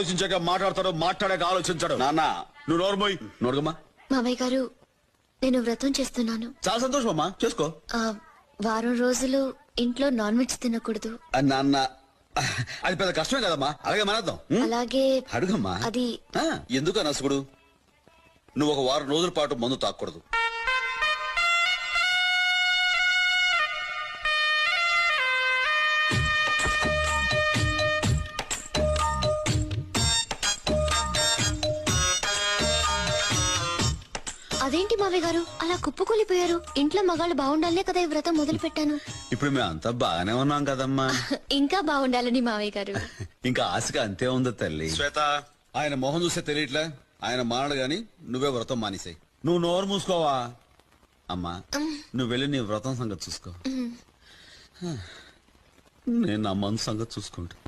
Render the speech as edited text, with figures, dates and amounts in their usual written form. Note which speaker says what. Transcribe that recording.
Speaker 1: ఆలోచించాక మాట్లాడతాడు, మాట్లాడాక ఆలోచించాడు. నాన్న నువ్వు నోర్మోయ్. నోడుగమ్మా.
Speaker 2: మామయ్య గారు, నేను వ్రతం చేస్తున్నాను.
Speaker 1: చాలా సంతోషం అమ్మా, చేసుకో.
Speaker 2: వారం రోజులు ఇంట్లో నాన్ వెజ్ తినకూడదు.
Speaker 1: నాన్న అది పెద్ద కష్టమే కదమ్మా, అలాగే మానేద్దాం.
Speaker 2: అలాగే
Speaker 1: అడుగమ్మా.
Speaker 2: అది
Speaker 1: ఎందుకు అనసుకుడు, నువ్వు ఒక వారం రోజుల పాటు మందు తాకూడదు.
Speaker 2: అదేంటి మావయ్య గారు అలా కుప్పకూలిపోయారు? ఇంట్లో మగాళ్ళు బాగుండాలనే కదా ఈ వ్రతం మొదలు పెట్టాను.
Speaker 1: ఇప్పుడు మేము అంతా బాగానే ఉన్నాం కదమ్మా.
Speaker 2: ఇంకా బాగుండాలని మావయ్య గారు.
Speaker 1: ఇంకా ఆశగా అంతే ఉంది తల్లి. శ్వేత, ఆయన మొహం చూస్తే తెలియట్లే, ఆయన మానడు గాని నువ్వే వ్రతం మానేసాయి. నువ్వు నోరు మూసుకోవా అమ్మా. నువ్వు వెళ్ళి నీ వ్రతం సంగతి చూసుకో, నేను నా మనసు సంగతి చూసుకుంటా.